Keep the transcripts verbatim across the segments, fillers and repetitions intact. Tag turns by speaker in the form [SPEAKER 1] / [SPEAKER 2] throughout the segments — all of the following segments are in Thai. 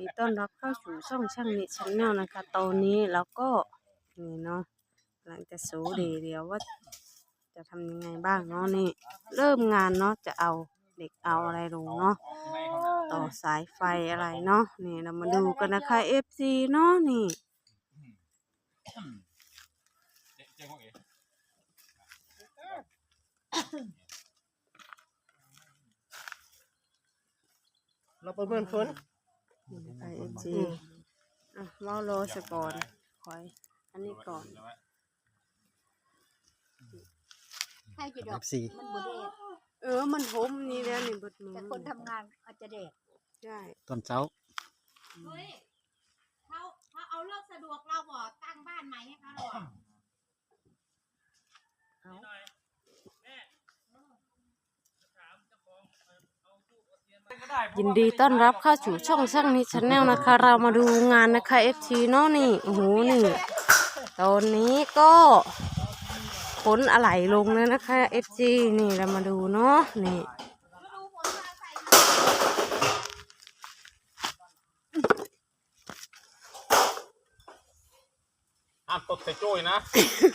[SPEAKER 1] ดีต้อนรับเข้าสู่ช่องช่างนิชแนลนะคะตอนนี้เราก็นี่เนาะหลังจากสูดีเดียวว่าจะทำยังไงบ้างเนาะนี่เริ่มงานเนาะจะเอาเด็กเอาอะไรลงเนาะต่อสายไฟอะไรเนาะนี่เรามาดูกันนะคะเอฟซีเนาะนี่
[SPEAKER 2] เราประเมินฝน
[SPEAKER 1] ไอเอฟซีอ่ะเมาโลสก่อนคอยอันนี้ก่อน
[SPEAKER 3] ให้จะดอกมันบดเดด
[SPEAKER 1] เออมันหมนี่แล้วนี่บดมือ
[SPEAKER 3] แต่คนทำงานอาจจะเดด
[SPEAKER 1] ใช่
[SPEAKER 2] ตอนเช้า
[SPEAKER 4] เฮ้ยเขาเขาเอาเลิกสะดวกเราบ่ตั้งบ้านใหม่ให้เขาหรอ
[SPEAKER 1] ยินดีต้อนรับเข้าสู่ช่องช่างนิชแนลนะคะเรามาดูงานนะคะเอฟซีเนาะนี่โอ้โหนี่ตอนนี้ก็ขนอะไหล่ลงแล้วนะคะเอฟซีนี่เรามาดูเนาะนี่
[SPEAKER 5] ห้ามตดใส่โจ้ยนะ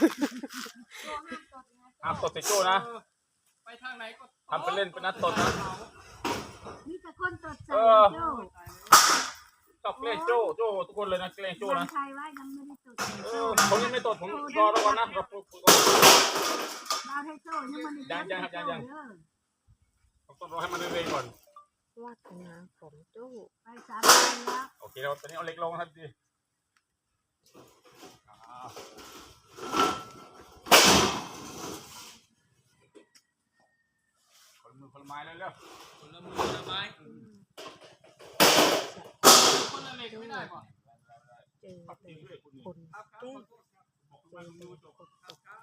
[SPEAKER 5] ห้ามตดใส่โจ้นะไปทางไหนก็ทำเป็นเล่นเป็นนัดตดนะ
[SPEAKER 3] มีแต่คนตดใส่โจ้
[SPEAKER 5] ชอบเล่นโจ้โจ้ทุกคนเลยนะเล่นโจ้นะ
[SPEAKER 3] ใครว่ายังไม่ได้ตด
[SPEAKER 5] เออผมยังไม่ตดผมรอแล้วกันนะรอ
[SPEAKER 3] เราให้โจ้ยังมัน
[SPEAKER 5] ยังยังครับยังยังผมต้องรอให้มันเร่งก่อน
[SPEAKER 1] วาดเป็นน้ำผมโจ้
[SPEAKER 3] ไปสามวันแล้ว
[SPEAKER 5] โอเคเราตอนนี้เอาเล็กลงครับดีคนมือคนไม้เลยเร็วคนละมือคนละไม้คนละเล็กไม่ได้ป่ะ
[SPEAKER 1] เจอคนเก้เจอคนตก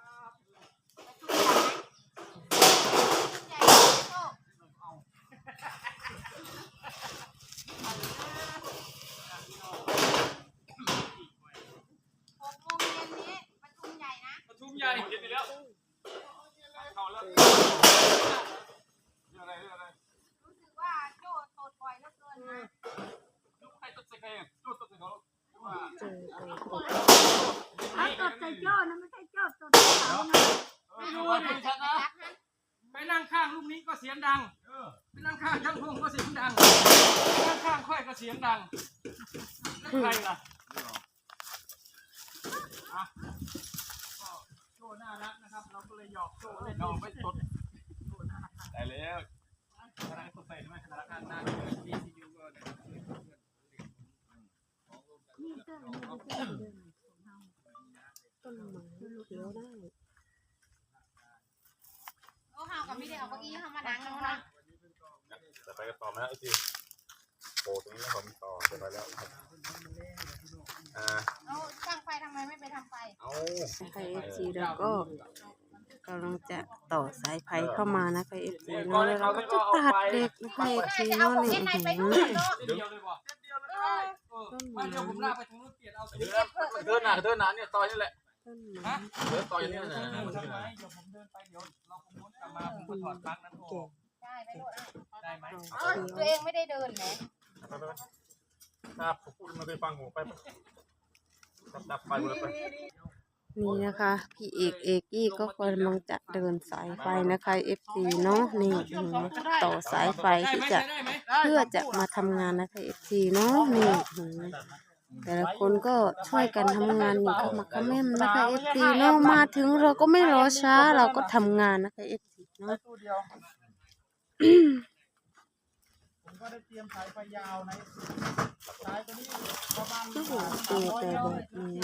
[SPEAKER 5] ใหญ่เย็นไปแล้วเข้าแล้วเรื่องอะไรเรื่องอะไร
[SPEAKER 4] รู้สึกว่าโจ้ตดบ่อยเหลือเกินนะ
[SPEAKER 5] ลูกให้ตดใส่ใครโจ้ตดใส่เขาว่า
[SPEAKER 1] เจอคนตก
[SPEAKER 3] ถ้าตดใส่โจ้นะไม่ใช่โจ้ตดใส่เขานะ
[SPEAKER 4] ไม่รู้นะจะไปรักนะ
[SPEAKER 5] ไปนั่งข้างลูกนี้ก็เสียงดังไปนั่งข้างช่างพงก็เสียงดังนั่งข้างค่อยก็เสียงดังใครล่ะโจ้น่ารักนะครับเราก็เลยหยอกโจ้เล่นเราไม่ตดได้แล้วขนาดตดใส่ทำไมขนาดข้างหน้าดีซียูก็
[SPEAKER 3] นี่ก็มีเจ้าเดิน
[SPEAKER 1] ต้นไม้เขียวได้
[SPEAKER 4] โอ้เฮากับไม่ได้เอาเก้าอี้เข้ามานั่งแล้วนะ
[SPEAKER 5] จะไปกันต่อไหมนะไอ้จีโอ้ตรงนี้นะผมต่อจะไปแล้วอ่า
[SPEAKER 4] เอาช่างไฟทำไมไม่ไปทำไฟ
[SPEAKER 5] เอา
[SPEAKER 1] ไฟเอฟซีแล้วก็กำลังจะต่อสายไฟเข้ามานะคะเอฟซีเนาะแล้วเราก็จะตัดเด็กนะคะเอฟซีเนาะนี่อื้อหือ
[SPEAKER 5] เดียวเลยบ่ต้นไม้เดี๋ยวผมลากไปทางนู้นเปลี่ยนเอาเดินหนาเดินหนาเนี่ยต่อยนี่แหละ
[SPEAKER 1] ต้นไม้
[SPEAKER 5] เดินต่อยนี่นะ
[SPEAKER 4] เดี๋ยวผมเดินไปเดี๋ยวเราคงมุดกลับมาผมก็ถอดปลั๊กนั้นออกได้ไหมได้ไหมตัวเองไม่ได้เดินไหม
[SPEAKER 5] ครับผมพูดมาเคยฟังหูไปดับไฟหมดเลยไป
[SPEAKER 1] นี่นะคะพี่เอกเอกกี้ก็กำลังจะเดินสายไฟนะคะเอฟซีเนาะนี่ต่อสายไฟที่จะเพื่อจะมาทำงานนะคะเอฟซีเนาะนี่แต่ละคนก็ช่วยกันทำงานอย่างขมักเขม้นนะคะเอฟซีเนาะมาถึงเราก็ไม่รอช้าเราก็ทำงานนะคะเอฟซีเนาะ
[SPEAKER 2] ผมก็ได้เตรียมสายไฟยาวในสายตัวนี้ประมาณ
[SPEAKER 1] โอ้โหเจอแต่แบบนี้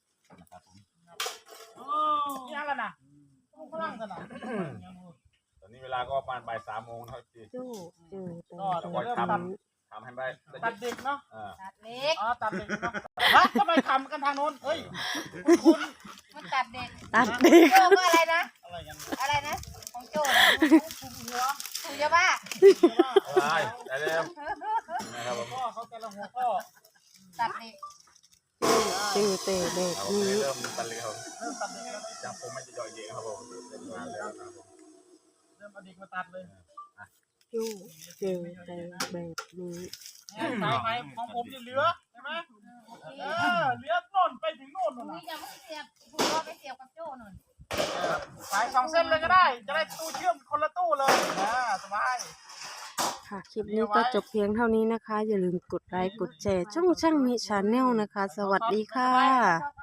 [SPEAKER 2] ยังกันนะพลังกันนะ
[SPEAKER 5] ตอนนี้เวลาก็ประมาณบ่ายสามโมงนะครับพี่
[SPEAKER 1] โจ้เจอแต่
[SPEAKER 5] แบบนี้ทำให้ไป
[SPEAKER 2] ตัดเด็กเนาะ
[SPEAKER 4] ตัดเล็ก
[SPEAKER 2] อ๋อตัดเด็กเนาะฮะทำไมทำกันทางโน้นเฮ้ยคุณ
[SPEAKER 4] มันตัดเด็ก
[SPEAKER 1] ตัดเด็ก
[SPEAKER 4] โจ้ก็อะไรนะ
[SPEAKER 2] อะไรกัน
[SPEAKER 4] อะไรนะของโจ้ถูกหัวถูกยาบ้า
[SPEAKER 5] ได้ได้แล้ว
[SPEAKER 2] นะครับผมพ่อเขาจะละหัวพ่อ
[SPEAKER 4] ตัดเด็ก
[SPEAKER 1] เจอแต่เด็กนี้
[SPEAKER 5] เริ่มตัดเลยครับเริ่มตัดเด็กแล้วจากผมไม่จะย่อยเยอะครับผมเริ่มงานแล้วครับผม
[SPEAKER 2] เริ่มเอาเด็กมาตัดเลย
[SPEAKER 1] โจ้เจอแต่แบบนี้
[SPEAKER 2] สายไฟของผมจะเหลือใช่ไหมเออเหลือโน่นไปถึงโน่น
[SPEAKER 4] ตร
[SPEAKER 2] นู่
[SPEAKER 4] ง
[SPEAKER 2] น
[SPEAKER 4] นี้
[SPEAKER 2] น่ะ
[SPEAKER 4] ยังไม่เสียบคุณรอไปเสียบกับโจ้หน่อย
[SPEAKER 2] สายสองเส้นเลยก็ได้ จะได้ตู้เชื่อมคนละตู้เลยนะสบาย
[SPEAKER 1] ค่ะคลิปนี้ก็จบเพียงเท่านี้นะคะ อย่าลืมกดไลค์กดแชร์ช่องช่างมิชาแนลนะคะ สวัสดีค่ะ